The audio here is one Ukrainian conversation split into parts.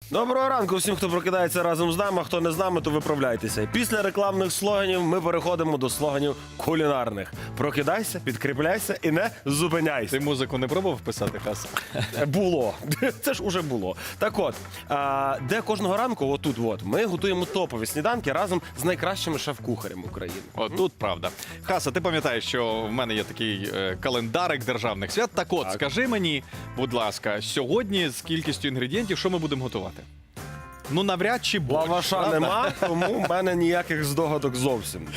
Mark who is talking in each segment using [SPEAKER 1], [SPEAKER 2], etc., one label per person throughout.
[SPEAKER 1] Доброго ранку всім, хто прокидається разом з нами, а хто не з нами, то виправляйтеся. Після рекламних слоганів ми переходимо до слоганів кулінарних. Прокидайся, підкріпляйся і не зупиняйся.
[SPEAKER 2] Ти музику не пробував писати, Хас?
[SPEAKER 1] Було. Це ж уже було. Так от, де кожного ранку, отут, ми готуємо топові сніданки разом з найкращими шеф-кухарями України.
[SPEAKER 2] От тут правда. Хаса, ти пам'ятаєш, що в мене є такий календарик державних свят. Так от, скажи мені, будь ласка, сьогодні з кількістю інгредієнтів, що ми будемо готувати? Ну, навряд чи борщ,
[SPEAKER 1] Лаваша
[SPEAKER 2] правда?
[SPEAKER 1] нема, тому в мене ніяких здогадок зовсім.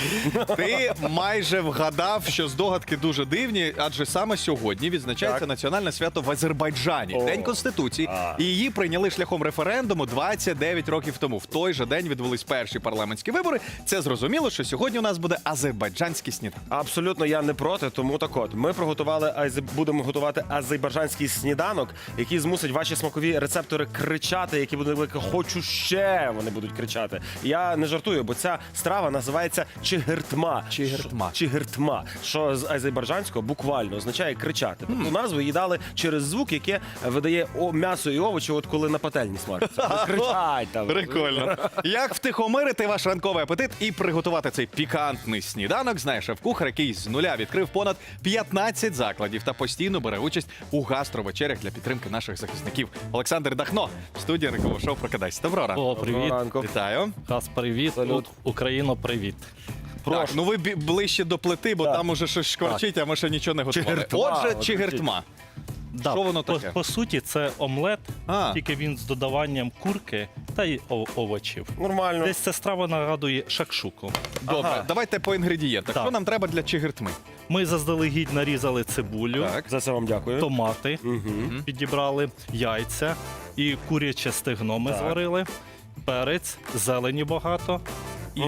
[SPEAKER 2] Ти майже вгадав, що здогадки дуже дивні, адже саме сьогодні відзначається
[SPEAKER 1] Так.
[SPEAKER 2] національне свято в Азербайджані,
[SPEAKER 1] О.
[SPEAKER 2] День Конституції. І її прийняли шляхом референдуму 29 років тому. В той же день відбулись перші парламентські вибори. Це зрозуміло, що сьогодні у нас буде азербайджанський сніданок.
[SPEAKER 1] Абсолютно я не проти, тому так от. Ми будемо готувати азербайджанський сніданок, який змусить ваші смакові рецептори кричати, які будуть великі «хочу ще», вони будуть кричати. Я не жартую, бо ця страва називається чигиртма.
[SPEAKER 2] Чигиртма.
[SPEAKER 1] Чигиртма, що з азербайджанського буквально означає кричати. Тобто назву їй дали через звук, яке видає м'ясо і овочі, от коли на пательні смажаться. Вони кричать там.
[SPEAKER 2] Прикольно. Як втихомирити ваш ранковий апетит і приготувати цей пікантний сніданок, знає шеф-кухар, який з нуля відкрив понад 15 закладів та постійно бере участь у гастровечерях для підтримки наших захисників. Олександр Дахно, в студії ранкового шоу «Прокидайся». Доброго ранку.
[SPEAKER 3] О, привіт.
[SPEAKER 1] Ранку.
[SPEAKER 2] Вітаю.
[SPEAKER 3] Хас, привіт.
[SPEAKER 1] Салют.
[SPEAKER 3] Україно, привіт.
[SPEAKER 2] Так, ну ви ближче до плити, бо там уже щось шкварчить, а ми ще нічого не готували.
[SPEAKER 1] Чигиртма.
[SPEAKER 2] Отже,
[SPEAKER 1] От
[SPEAKER 2] чигиртма.
[SPEAKER 3] Да,
[SPEAKER 2] Що воно таке?
[SPEAKER 3] По суті, це омлет,
[SPEAKER 2] А.
[SPEAKER 3] тільки він з додаванням курки та й овочів.
[SPEAKER 1] Нормально.
[SPEAKER 3] Десь ця страва нагадує шакшуку.
[SPEAKER 2] Добре,
[SPEAKER 1] Ага.
[SPEAKER 2] давайте по інгредієнтах.
[SPEAKER 3] Так.
[SPEAKER 2] Що нам треба для чигиртми?
[SPEAKER 3] Ми заздалегідь нарізали цибулю,
[SPEAKER 2] Так.
[SPEAKER 1] За це вам дякую.
[SPEAKER 3] томати, підібрали яйця і куряче стегно ми
[SPEAKER 1] Так.
[SPEAKER 3] зварили, перець, зелені багато. І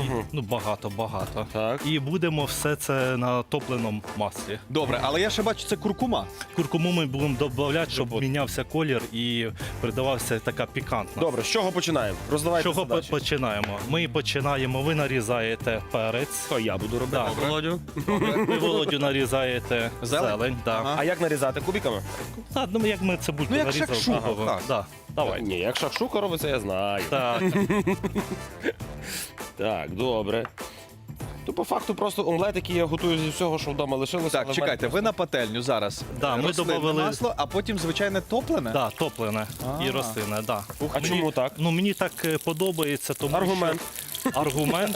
[SPEAKER 3] багато.
[SPEAKER 1] Так.
[SPEAKER 3] І будемо все це на топленому маслі.
[SPEAKER 2] Добре, але я ще бачу, це куркума.
[SPEAKER 3] Куркуму ми будемо додавати, щоб мінявся колір і придавався така пікантна.
[SPEAKER 1] Добре, з чого починаємо?
[SPEAKER 3] З
[SPEAKER 1] Роздавайте
[SPEAKER 3] чого
[SPEAKER 1] задачі.
[SPEAKER 3] починаємо? Ми починаємо, ви нарізаєте перець,
[SPEAKER 1] Що я буду робити?
[SPEAKER 3] Да.
[SPEAKER 1] Володю?
[SPEAKER 3] ви, Володю, нарізаєте
[SPEAKER 2] Зелень?
[SPEAKER 3] да.
[SPEAKER 2] Ага.
[SPEAKER 1] А як нарізати? Кубиками?
[SPEAKER 3] Так, ну як ми цибульку
[SPEAKER 2] Ну, як
[SPEAKER 3] нарізали.
[SPEAKER 2] шакшука,
[SPEAKER 3] Ага,
[SPEAKER 2] так.
[SPEAKER 3] да. Давай.
[SPEAKER 1] Ні, як шакшука робиться, я знаю.
[SPEAKER 3] Так.
[SPEAKER 1] Так, добре. То по факту просто омлет, який я готую зі всього, що вдома лишилося.
[SPEAKER 2] Так, чекайте, ви на пательню зараз.
[SPEAKER 3] Да, ми
[SPEAKER 2] рослинне
[SPEAKER 3] добавили-
[SPEAKER 2] масло, а потім звичайне топлене?
[SPEAKER 3] Да, топлене і рослинне, да.
[SPEAKER 1] А чому так?
[SPEAKER 3] Ну мені так подобається, тому
[SPEAKER 1] Аргумент.
[SPEAKER 3] що аргумент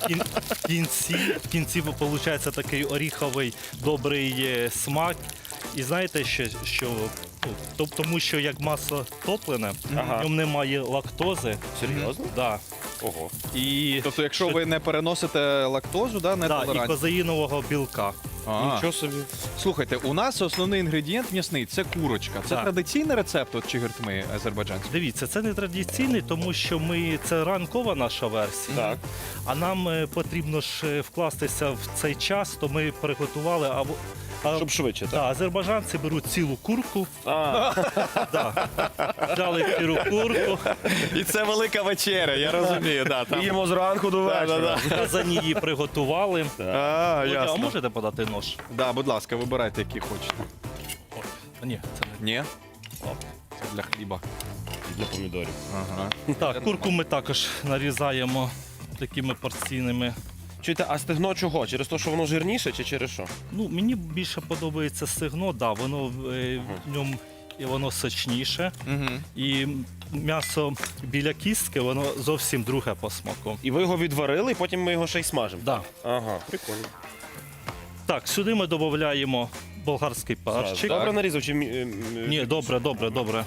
[SPEAKER 3] в кінці виходить такий оріховий добрий смак. І знаєте, що тому що як масло топлене,
[SPEAKER 1] Ага.
[SPEAKER 3] в ньому немає лактози.
[SPEAKER 1] Серйозно?
[SPEAKER 3] Да.
[SPEAKER 1] Ого.
[SPEAKER 3] І,
[SPEAKER 2] Тобто, якщо ви не переносите лактозу, да, не
[SPEAKER 3] да, і
[SPEAKER 2] толерантні.
[SPEAKER 3] козаїнового білка.
[SPEAKER 1] Нічого собі.
[SPEAKER 2] Слухайте, у нас основний інгредієнт м'ясний – це курочка. Це
[SPEAKER 3] Так.
[SPEAKER 2] традиційний рецепт от чигиртми азербайджанських?
[SPEAKER 3] Дивіться, це не традиційний, тому що це ранкова наша версія.
[SPEAKER 1] Так.
[SPEAKER 3] А нам потрібно ж вкластися в цей час, то ми приготували
[SPEAKER 1] Щоб швидше, так?
[SPEAKER 3] Да, азербайджанці беруть цілу курку,
[SPEAKER 1] А,
[SPEAKER 3] взяли цілу курку,
[SPEAKER 2] І це велика вечеря, я розумію. Да, там.
[SPEAKER 1] їмо зранку до вечора.
[SPEAKER 3] в казані її приготували.
[SPEAKER 2] А,
[SPEAKER 3] А
[SPEAKER 2] ясно.
[SPEAKER 3] можете подати нож?
[SPEAKER 2] Да, будь ласка, вибирайте, який хочете.
[SPEAKER 3] Ні, це
[SPEAKER 2] Ні? Це для хліба.
[SPEAKER 1] Для помідорів.
[SPEAKER 2] Ага.
[SPEAKER 3] не так. Курку ми також нарізаємо такими порційними.
[SPEAKER 1] Чуєте, а стегно чого? Через те, що воно жирніше чи через що?
[SPEAKER 3] Ну, мені більше подобається стегно, да, воно в ньому і воно сочніше.
[SPEAKER 2] Угу.
[SPEAKER 3] І м'ясо біля кістки, воно зовсім друге по смаку.
[SPEAKER 1] І ви його відварили, і потім ми його ще й смажимо.
[SPEAKER 3] Да.
[SPEAKER 1] Ага, прикольно.
[SPEAKER 3] Так, сюди ми додаємо болгарський перчик.
[SPEAKER 1] Добре нарізав чи
[SPEAKER 3] Ні, добре.
[SPEAKER 1] Такого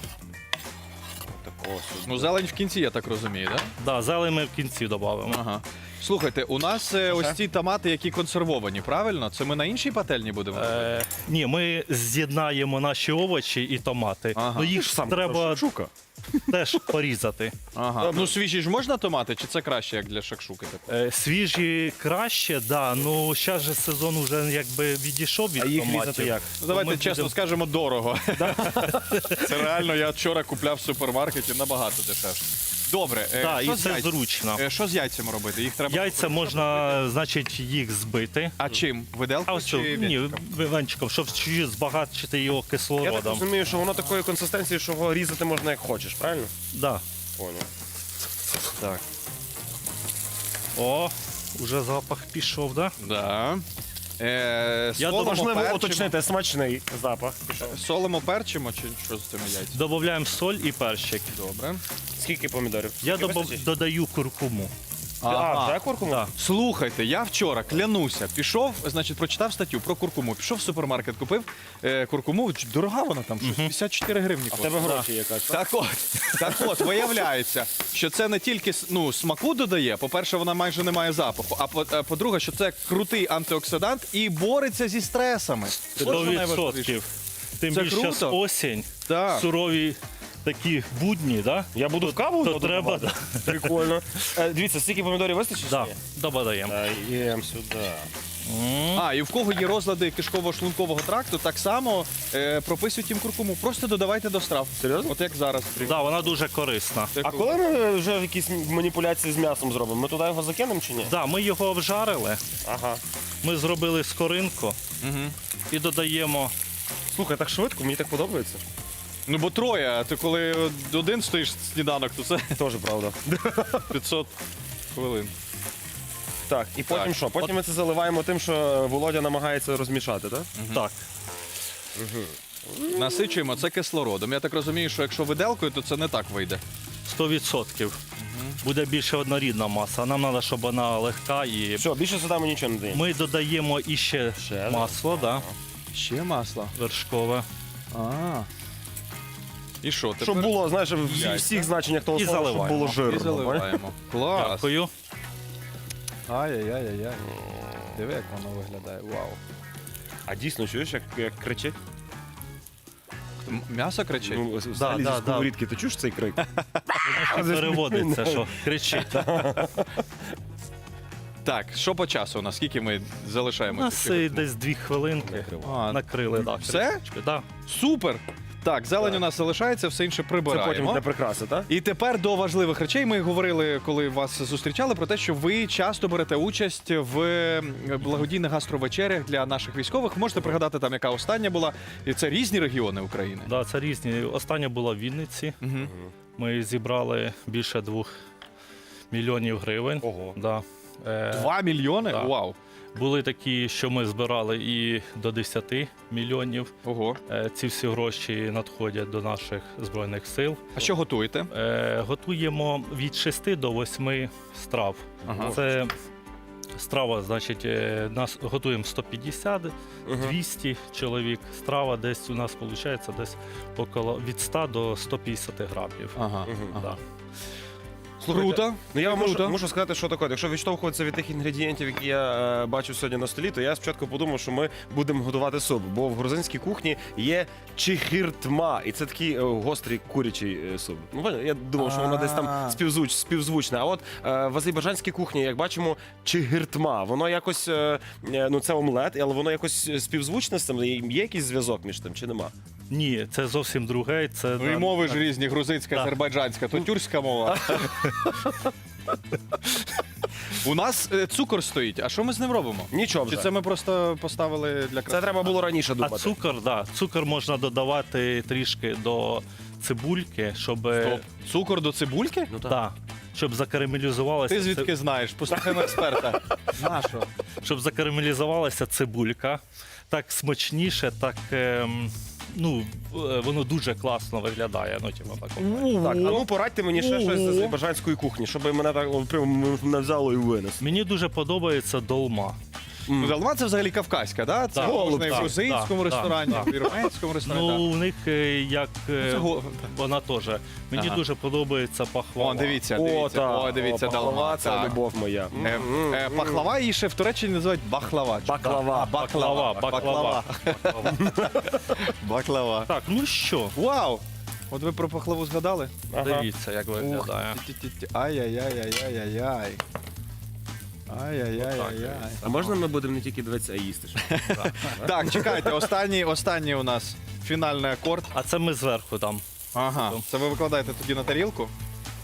[SPEAKER 2] Ну, зелень в кінці, я так розумію, так? Да?
[SPEAKER 3] Да, зелень ми в кінці додамо.
[SPEAKER 2] Ага. Слухайте, у нас ось ці томати, які консервовані, правильно? Це ми на іншій пательні будемо робити?
[SPEAKER 3] Ні, ми з'єднаємо наші овочі і томати.
[SPEAKER 2] Ага.
[SPEAKER 3] Ну їх ж треба
[SPEAKER 1] Шука.
[SPEAKER 3] теж порізати.
[SPEAKER 2] Ага. Ну, свіжі ж можна томати, чи це краще, як для шакшуки?
[SPEAKER 3] Свіжі краще, да. Ну зараз же сезон вже якби відійшов від
[SPEAKER 1] А їх
[SPEAKER 3] томатів.
[SPEAKER 1] різати як?
[SPEAKER 2] Ну, давайте
[SPEAKER 3] Ми
[SPEAKER 2] чесно
[SPEAKER 3] будемо-
[SPEAKER 2] скажемо, дорого. Це реально, я вчора купляв в супермаркеті набагато дешевше. Добре,
[SPEAKER 3] Да,
[SPEAKER 2] що
[SPEAKER 3] і
[SPEAKER 2] з
[SPEAKER 3] це
[SPEAKER 2] яйцями?
[SPEAKER 3] зручно.
[SPEAKER 2] Що з яйцями робити? Їх треба.
[SPEAKER 3] Яйця можна, значить, їх збити.
[SPEAKER 2] А чим?
[SPEAKER 3] А
[SPEAKER 2] Виделкою
[SPEAKER 3] ось
[SPEAKER 2] чи
[SPEAKER 3] цю, ні,
[SPEAKER 2] вінчиком?
[SPEAKER 3] венчиком, щоб чуть збагатити його
[SPEAKER 1] Я так
[SPEAKER 3] кислородом.
[SPEAKER 1] розумію, що воно такої консистенції, що його різати можна як хочеш, правильно?
[SPEAKER 3] Да.
[SPEAKER 1] Понял.
[SPEAKER 2] Так.
[SPEAKER 3] О, уже запах пішов, да?
[SPEAKER 2] Да.
[SPEAKER 3] Я
[SPEAKER 2] Солимо,
[SPEAKER 1] Важливо
[SPEAKER 2] перчимо.
[SPEAKER 1] уточнити смачний запах.
[SPEAKER 2] Солимо, перчимо чи що з цими яйцями?
[SPEAKER 3] Додаємо соль і перчик.
[SPEAKER 2] Добре.
[SPEAKER 1] Скільки помідорів?
[SPEAKER 3] Я
[SPEAKER 1] Скільки вистачить?
[SPEAKER 3] додаю куркуму.
[SPEAKER 1] А, вже куркуму?
[SPEAKER 3] Да.
[SPEAKER 2] Слухайте, я вчора клянуся, пішов, значить, прочитав статтю про куркуму. Пішов в супермаркет, купив куркуму. Дорога вона там, щось 54 гривні.
[SPEAKER 1] А в тебе
[SPEAKER 2] коштує.
[SPEAKER 1] гроші є, так?
[SPEAKER 2] Так от, виявляється, що це не тільки смаку додає. По-перше, вона майже не має запаху. А по-друге, що це крутий антиоксидант і бореться зі стресами. Ось що найважливіше.
[SPEAKER 3] 100%. Тим
[SPEAKER 2] Це
[SPEAKER 3] більше
[SPEAKER 2] круто.
[SPEAKER 3] зараз осінь,
[SPEAKER 2] Так.
[SPEAKER 3] сурові такі будні, да?
[SPEAKER 1] Я буду в каву
[SPEAKER 3] то
[SPEAKER 1] додавати?
[SPEAKER 3] треба, да.
[SPEAKER 1] Прикольно. Дивіться, стільки помідорів вистачить?
[SPEAKER 3] Да,
[SPEAKER 1] чи ні?
[SPEAKER 3] додаємо.
[SPEAKER 1] Даємо сюди.
[SPEAKER 2] А, і в кого є розлади кишково-шлункового тракту, так само прописують їм куркуму. Просто додавайте до страв.
[SPEAKER 1] Серйозно?
[SPEAKER 2] От як зараз.
[SPEAKER 3] Да, вона дуже корисна.
[SPEAKER 2] Це
[SPEAKER 1] А
[SPEAKER 2] круто.
[SPEAKER 1] коли ми вже якісь маніпуляції з м'ясом зробимо? Ми туди його закинемо чи ні?
[SPEAKER 3] Да, ми його обжарили,
[SPEAKER 1] Ага.
[SPEAKER 3] ми зробили скоринку і додаємо.
[SPEAKER 1] Слухай, так швидко, мені так подобається.
[SPEAKER 2] Ну бо троє, а ти коли один стоїш сніданок, то це
[SPEAKER 1] Теж правда.
[SPEAKER 2] 500 хвилин.
[SPEAKER 1] Так, і потім
[SPEAKER 2] Так.
[SPEAKER 1] що? Потім ми це заливаємо тим, що Володя намагається розмішати, так?
[SPEAKER 3] Так,
[SPEAKER 2] Насичуємо це кислородом. Я так розумію, що якщо виделкою, то це не так вийде.
[SPEAKER 3] 100%. Буде більше однорідна маса. Нам треба, щоб вона легка і.
[SPEAKER 1] Все, більше сюди ми нічого не даємо.
[SPEAKER 3] Ми додаємо іще
[SPEAKER 1] Ще,
[SPEAKER 3] масло, да,
[SPEAKER 2] Ще масло.
[SPEAKER 3] вершкове.
[SPEAKER 2] А. І що? Тепер
[SPEAKER 1] Щоб було, знаєш, в
[SPEAKER 2] Яйця.
[SPEAKER 1] всіх значеннях того
[SPEAKER 3] І
[SPEAKER 1] слова, щоб
[SPEAKER 3] заливаємо.
[SPEAKER 1] було
[SPEAKER 2] і
[SPEAKER 1] жирно.
[SPEAKER 2] заливаємо. Клас.
[SPEAKER 3] Дякую.
[SPEAKER 2] Ай-яй-яй-яй. Диви, як воно виглядає. Вау.
[SPEAKER 1] А дійсно, чуєш, як кричить?
[SPEAKER 2] М'ясо кричить?
[SPEAKER 1] Ну, взагалі
[SPEAKER 3] да,
[SPEAKER 1] зі сковорідки, ти чуєш цей крик?
[SPEAKER 3] Воно переводиться, що кричить.
[SPEAKER 2] Так, що по часу у нас? Скільки ми
[SPEAKER 3] У
[SPEAKER 2] залишаємо?
[SPEAKER 3] нас
[SPEAKER 2] цих
[SPEAKER 3] десь 2 хвилинки.
[SPEAKER 2] А,
[SPEAKER 3] Накрили, так.
[SPEAKER 2] все?
[SPEAKER 3] Да.
[SPEAKER 2] Супер! Так, зелень у нас залишається, все інше
[SPEAKER 1] Це потім
[SPEAKER 2] прибираємо.
[SPEAKER 1] для прикраси, так?
[SPEAKER 2] І тепер до важливих речей. Ми говорили, коли вас зустрічали, про те, що ви часто берете участь в благодійних гастровечерях для наших військових. Можете пригадати там, яка остання була. І це різні регіони України.
[SPEAKER 3] Да, це різні. Остання була в Вінниці.
[SPEAKER 2] Угу.
[SPEAKER 3] Ми зібрали більше 2 мільйонів гривень.
[SPEAKER 1] Ого.
[SPEAKER 3] Да.
[SPEAKER 2] 2 мільйони?
[SPEAKER 3] так.
[SPEAKER 2] Вау.
[SPEAKER 3] Були такі, що ми збирали і до 10 мільйонів.
[SPEAKER 2] Ого.
[SPEAKER 3] Ці всі гроші надходять до наших Збройних сил.
[SPEAKER 2] А що готуєте?
[SPEAKER 3] Готуємо від 6 до 8 страв.
[SPEAKER 2] Ага.
[SPEAKER 3] Це страва, значить, нас готуємо 150, 200 чоловік. Страва десь у нас виходить десь около від 100 до 150 грамів.
[SPEAKER 2] Ага.
[SPEAKER 3] Да.
[SPEAKER 2] Круто.
[SPEAKER 1] Ну я вам
[SPEAKER 2] Круто.
[SPEAKER 1] можу сказати, що таке. Якщо відштовхуватися від тих інгредієнтів, які я бачу сьогодні на столі, то я спочатку подумав, що ми будемо готувати суп. Бо в грузинській кухні є чихиртма, і це такий гострий курячий суп. Ну, поняли? Я думав, що воно десь там співзвучне. А от в азербайджанській кухні, як бачимо, чихиртма. Воно якось, ну це омлет, але воно якось співзвучне з цим. Є якийсь зв'язок між тим чи нема?
[SPEAKER 3] Ні, це зовсім друге. Це
[SPEAKER 2] Ну і мови ж різні, грузинська,
[SPEAKER 3] Так.
[SPEAKER 2] азербайджанська, то тюркська мова. У нас цукор стоїть, а що ми з ним робимо?
[SPEAKER 1] Нічого
[SPEAKER 2] Чи
[SPEAKER 1] вже.
[SPEAKER 2] це ми просто поставили для
[SPEAKER 1] Це
[SPEAKER 2] краси?
[SPEAKER 1] треба було раніше
[SPEAKER 3] А
[SPEAKER 1] думати.
[SPEAKER 3] цукор, да, цукор можна додавати трішки до цибульки, щоб,
[SPEAKER 2] Стоп. Цукор до цибульки?
[SPEAKER 1] Ну,
[SPEAKER 3] да, щоб закарамелізувалася.
[SPEAKER 2] Ти звідки знаєш? Послухаємо експерта. Нащо?
[SPEAKER 3] Щоб закарамелізувалася цибулька. Так смачніше, так ну, воно дуже класно виглядає. Ну, типу, так.
[SPEAKER 1] Так, а ну порадьте мені ще щось з азербайджанської кухні, щоб мене так прям не взяло і винес.
[SPEAKER 3] Мені дуже подобається долма.
[SPEAKER 2] Долма це взагалі кавказька, да? Це
[SPEAKER 3] Так,
[SPEAKER 2] можна і в
[SPEAKER 3] так,
[SPEAKER 2] грузинському
[SPEAKER 3] так,
[SPEAKER 2] ресторані,
[SPEAKER 3] так.
[SPEAKER 2] в вірменському ресторані.
[SPEAKER 3] Ну, у них як
[SPEAKER 2] це
[SPEAKER 3] вона теж. Мені
[SPEAKER 2] Ага.
[SPEAKER 3] дуже подобається пахвала.
[SPEAKER 2] О, дивіться,
[SPEAKER 1] О,
[SPEAKER 2] дивіться,
[SPEAKER 1] так.
[SPEAKER 2] о, дивіться,
[SPEAKER 1] Пахлава,
[SPEAKER 2] долма.
[SPEAKER 1] це
[SPEAKER 2] Так.
[SPEAKER 1] любов моя.
[SPEAKER 2] Пахлава її ще в Туреччині називають бахлава.
[SPEAKER 1] Баклава.
[SPEAKER 3] Баклава.
[SPEAKER 2] Баклава.
[SPEAKER 3] Так, ну що,
[SPEAKER 2] Вау! От ви про пахлаву згадали?
[SPEAKER 1] Ага.
[SPEAKER 3] дивіться, як виглядає.
[SPEAKER 2] Ті-ті-ті. Ай-яй-яй-яй-яй-яй. Ай-яй-яй-яй-яй.
[SPEAKER 1] А можна ми будемо не тільки дивитися, а їсти?
[SPEAKER 2] Так, чекайте, останній у нас фінальний акорд.
[SPEAKER 3] А це ми зверху там.
[SPEAKER 2] Ага. Це ви викладаєте тоді на тарілку?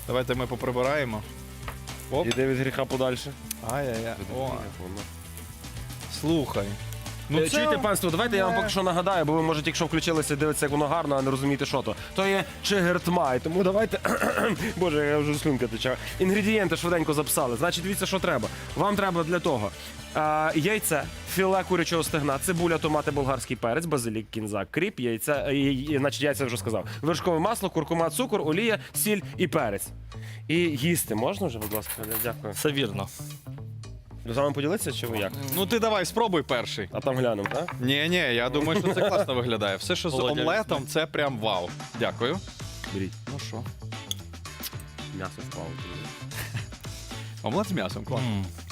[SPEAKER 2] Давайте ми поприбираємо. Оп.
[SPEAKER 1] Іди від гріха подальше.
[SPEAKER 2] Ай-яй-яй. О, слухай.
[SPEAKER 1] Чуєте, панство, давайте я вам поки що нагадаю, бо ви, може, якщо включилися, дивитися, як воно гарно, а не розумієте, що то. То є чигиртмай, тому давайте... Боже, я вже слюнка тече. Інгредієнти швиденько записали. Значить, дивіться, що треба. Вам треба для того яйце, філе курячого стегна, цибуля, томати, болгарський перець, базилік, кінза, кріп, яйця, значить, яйця вже сказав. Вершкове масло, куркума, цукор, олія, сіль і перець. І їсти можна вже, будь ласка? Дякую.
[SPEAKER 3] Все вірно.
[SPEAKER 1] З вами поділитися, чи ви як?
[SPEAKER 2] Ну ти давай, спробуй перший.
[SPEAKER 1] А там глянемо, так?
[SPEAKER 2] Ні, я думаю, що це класно виглядає. Все, що з
[SPEAKER 3] Володя,
[SPEAKER 2] омлетом, це прям вау. Дякую.
[SPEAKER 1] Беріть.
[SPEAKER 2] Ну що?
[SPEAKER 1] М'ясо впало.
[SPEAKER 2] Омлет з м'ясом, класно.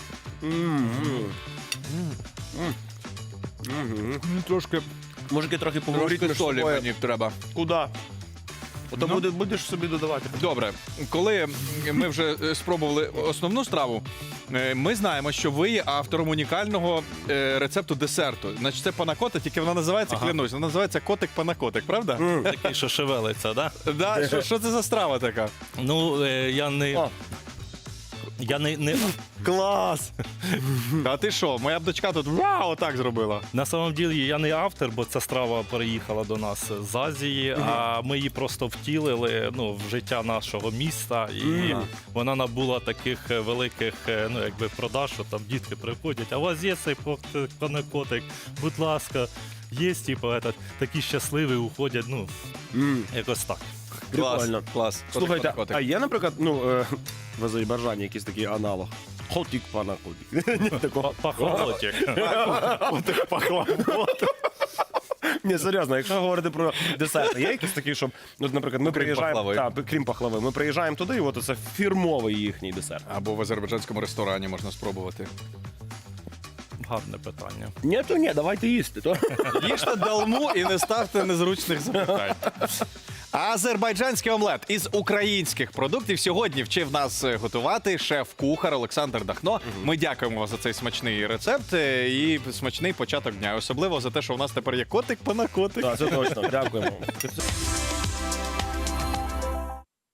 [SPEAKER 2] Трошки
[SPEAKER 1] Мужики, трохи поговоріть між
[SPEAKER 2] солі
[SPEAKER 1] собою.
[SPEAKER 2] мені треба.
[SPEAKER 1] Куда? Ото
[SPEAKER 2] Ну.
[SPEAKER 1] будеш собі додавати.
[SPEAKER 2] Добре, коли ми вже спробували основну страву, ми знаємо, що ви є автором унікального рецепту десерту. Значить, це панакота, тільки вона називається, клянусь, вона називається котик-панакотик, правда?
[SPEAKER 3] Такий, що шевелиться, да?
[SPEAKER 2] Да, що це за страва така?
[SPEAKER 3] Ну, я не...
[SPEAKER 1] О.
[SPEAKER 3] Я не...
[SPEAKER 1] Клас!
[SPEAKER 2] А ти що, моя б дочка тут вау, так зробила.
[SPEAKER 3] На самом ділі я не автор, бо ця страва переїхала до нас з Азії, а ми її просто втілили в життя нашого міста. І вона набула таких великих продаж, що там дітки приходять, а у вас є цей панакотик, будь ласка, є, такі щасливі уходять, якось так.
[SPEAKER 1] Прикольно.
[SPEAKER 2] Клас.
[SPEAKER 1] Слухайте,
[SPEAKER 2] Котик-панакотик.
[SPEAKER 1] а є, наприклад, в Азербайджані якийсь такий аналог? Хотік панакотик. Ні, такого.
[SPEAKER 3] Пахолотик.
[SPEAKER 1] Котик пахлавот. Ні, серйозно, якщо говорити про десерти, є якісь такі, щоб, наприклад, ми приїжджаємо,
[SPEAKER 2] пахлави.
[SPEAKER 1] крім пахлави, ми приїжджаємо туди, і от це фірмовий їхній десерт.
[SPEAKER 2] Або в азербайджанському ресторані можна спробувати.
[SPEAKER 3] Гарне питання.
[SPEAKER 1] Ні, то ні, давайте їсти. То.
[SPEAKER 2] Їжте далму і не ставте незручних запитань. Азербайджанський омлет із українських продуктів сьогодні вчив нас готувати шеф-кухар Олександр Дахно. Ми дякуємо вам за цей смачний рецепт і смачний початок дня. Особливо за те, що у нас тепер є котик-панакотик.
[SPEAKER 1] Так, це точно. Дякуємо.